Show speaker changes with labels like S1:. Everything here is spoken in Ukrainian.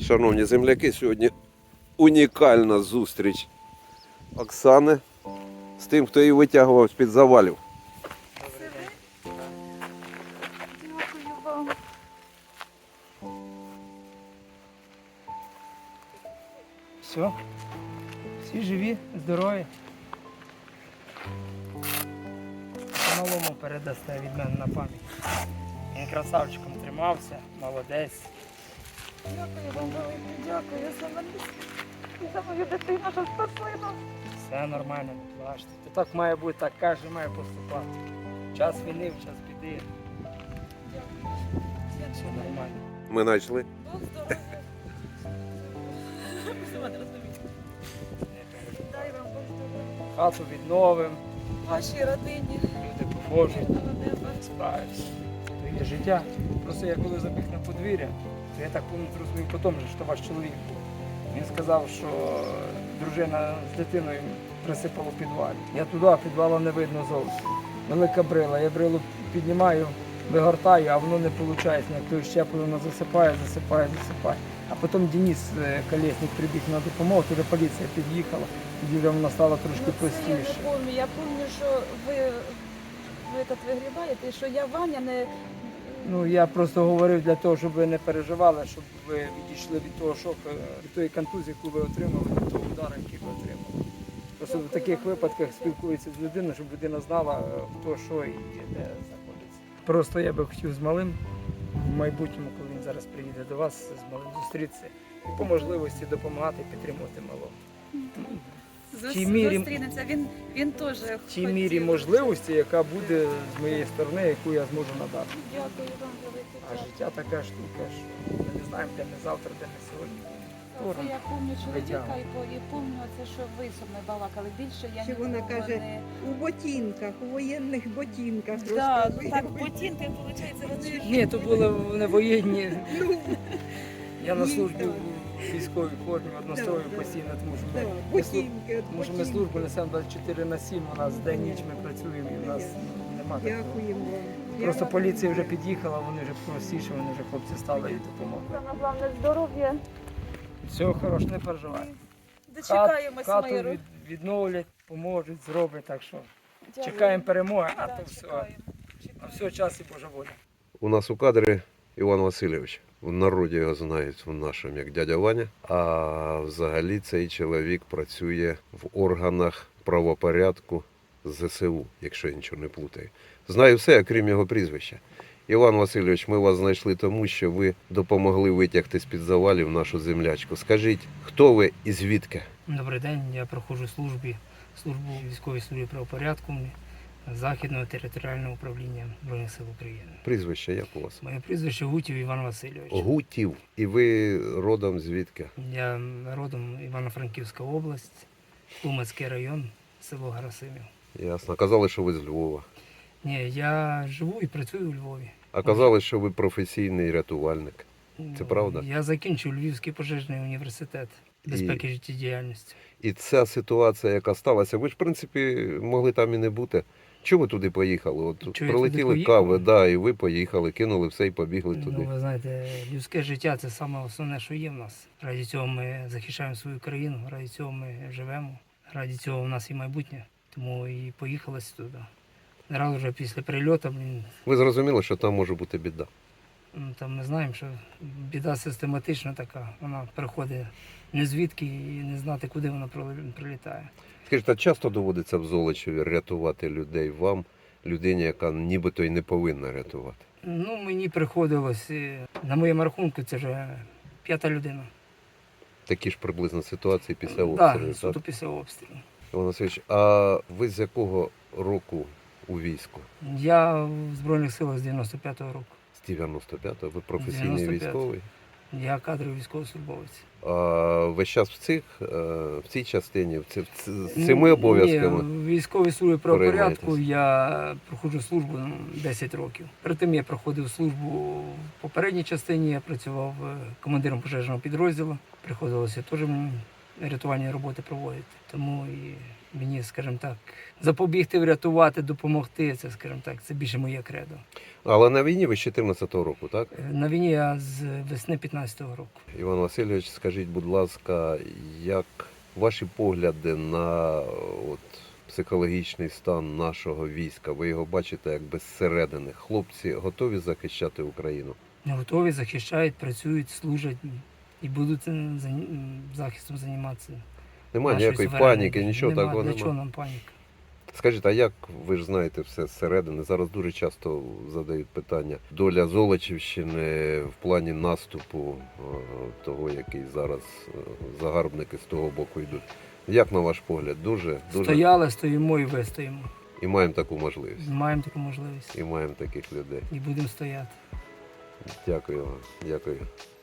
S1: Шановні земляки, сьогодні унікальна зустріч Оксани з тим, хто її витягував з-під завалів.
S2: Дякую вам.
S3: Все, всі живі, здорові. Малому передасте від мене на пам'ять. Він красавчиком тримався, молодець.
S2: Дякую вам велике. Дякую за мене. І за мою дитину, що спасли нас.
S3: Все нормально, не плачте. То так має бути, так каже, має поступати. Час війни, час біди. Все нормально.
S1: Ми знайшли.
S2: Бог здоров'я. Дай вам Бог здоров'я.
S3: Хату відновимо,
S2: Вашій родині.
S3: люди поможуть,
S2: Мирного неба.
S3: справишся. То є життя. Просто я коли забіг на подвір'я, то я так зрозумів потім, що ваш чоловік був. Він сказав, що дружина з дитиною присипала в підвалі. Я туди, а підвала не видно зовсім. Велика брила. Я брилу піднімаю, вигортаю, а воно не виходить. Як той щеплю, воно засипає. А потім Денис Колєснік прибіг на допомогу, туди поліція під'їхала, тоді вже воно стало трошки
S2: Ну, це я
S3: простіше.
S2: не пам'ятаю. Я пам'ятаю, що ви тут вигрібаєте, і що я Ваня не...
S3: Ну, я просто говорив для того, щоб ви не переживали, щоб ви відійшли від того шоку, від тої контузії, яку ви отримали, від того удару, який ви отримали. Просто в таких випадках спілкуються з людиною, щоб людина знала, хто що і де знаходиться. Просто я би хотів з малим в майбутньому, коли він зараз приїде до вас, з малим зустрітися і по можливості допомагати і підтримувати малого. В тій мірі-
S2: Зустрінеться. Він теж
S3: В тій мірі можливості, яка буде з моєї сторони, яку я зможу надати.
S2: Дякую вам велике.
S3: А життя така штука, що ми не знаємо, де ми завтра, де ми сьогодні.
S2: Це я пам'ятаю чоловіка
S3: Витягуємо.
S2: і пам'ятаю це, що ви со мною балакали. Більше я
S4: Ще
S2: нікого
S4: вона каже,
S2: не...
S4: у ботинках, у воєнних ботинках.
S2: Да,
S4: розказує.
S2: так, ботинки, виходить, вони...
S3: Ні, то були вони воєнні.
S4: Ну,
S3: Я на
S4: Ні,
S3: службі
S4: так.
S3: в військовій формі однострою
S4: Да, да.
S3: постійно, тому що
S4: да,
S3: ми,
S4: ботинки,
S3: тому що ми
S4: ботинки.
S3: службу несемо 24/7, у нас день-ніч ми працюємо і у нас немає такого.
S4: Дякуємо вам.
S3: Просто
S4: Я
S3: поліція вже
S4: вам
S3: під'їхала, вони вже простіше, вони вже хлопці стали і допомогли.
S2: Саме головне здоров'я.
S3: Всього хорошого, не переживай.
S2: Дочекаємось
S3: Хату
S2: миру.
S3: відновлять, поможуть, зроблять, так що
S2: Дякую.
S3: чекаємо перемоги, а
S2: Да,
S3: то все.
S2: чекаємо.
S3: А все час і Божа воля.
S1: У нас у кадрі Іван Васильович. В народі його знають в нашому як дядя Ваня. А взагалі цей чоловік працює в органах правопорядку ЗСУ, якщо я нічого не плутаю. Знаю все, окрім його прізвища. Іван Васильович, ми вас знайшли тому, що ви допомогли витягти з-під завалів нашу землячку. Скажіть, хто ви і звідки?
S3: Добрий день, я проходжу службу в військовій службі правопорядку Західного територіального управління Збройних сил України.
S1: Прізвище як у вас?
S3: Моє прізвище Гутів Іван Васильович.
S1: Гутів. І ви родом звідки?
S3: Я родом Івано-Франківська область, Тлумацький район, село Гарасимів.
S1: Ясно. Казали, що ви з Львова.
S3: Ні, я живу і працюю у Львові.
S1: А казали, що ви професійний рятувальник. Це правда?
S3: Я закінчив Львівський пожежний університет безпеки життєдіяльності.
S1: І ця ситуація, яка сталася, ви ж, в принципі, могли там і не бути. Чому ви туди поїхали? От
S3: Чого я
S1: прилетіли
S3: туди
S1: кави,
S3: поїхав?
S1: да, і ви поїхали, кинули все і побігли туди.
S3: Ну, ви знаєте, людське життя це саме основне, що є в нас. Раді цього ми захищаємо свою країну, раді цього ми живемо, раді цього в нас і майбутнє. Тому і поїхали туди. Зараз вже після прильоту,
S1: Ви зрозуміли, що там може бути біда.
S3: там ми знаємо, що біда систематична така. Вона приходить не звідки і не знати, куди вона прилітає.
S1: Скажіть, а часто доводиться в Золочеві рятувати людей вам, людині, яка нібито й не повинна рятувати?
S3: Ну, мені приходилось, на моєму рахунку, це вже 5-та людина.
S1: Такі ж приблизно ситуації після
S3: Так,
S1: обстрілу.
S3: суто
S1: Так?
S3: після обстрілу.
S1: Іван Васильович, а ви з якого року у війську?
S3: Я в Збройних силах з 95-го року.
S1: З 95-го? Ви професійний
S3: 95-го.
S1: військовий?
S3: Я кадровий військовослужбовець.
S1: А весь час в цій частині, з цими обов'язками?
S3: Ні, в військовій службі правопорядку
S1: Переймаєтесь?
S3: я проходжу службу 10 років. Перед тим я проходив службу в попередній частині, я працював командиром пожежного підрозділу. Приходилося теж мені рятувальні роботи проводити. Тому і мені, скажімо так, запобігти, врятувати, допомогти, це, скажімо так, це більше моє кредо.
S1: Але на війні ви з 14-го року, так?
S3: На війні я з весни 15-го року.
S1: Іван Васильович, скажіть, будь ласка, як ваші погляди на от, психологічний стан нашого війська? Ви його бачите якби зсередини. Хлопці готові захищати Україну?
S3: Не готові, захищають, працюють, служать і будуть захистом займатися.
S1: Немає
S3: нашої
S1: ніякої
S3: суверенної
S1: паніки,
S3: держави.
S1: нічого
S3: Нема.
S1: такого
S3: Для
S1: немає.
S3: чого нам паніка?
S1: Скажіть, а як ви ж знаєте все зсередини? Зараз дуже часто задають питання. Доля Золочівщини в плані наступу того, який зараз загарбники з того боку йдуть. Як на ваш погляд? Дуже
S3: Стояли, стоїмо і вистоїмо.
S1: і маємо таку можливість.
S3: Маємо таку можливість
S1: І маємо таких людей.
S3: і будемо стояти.
S1: Дякую вам. Дякую.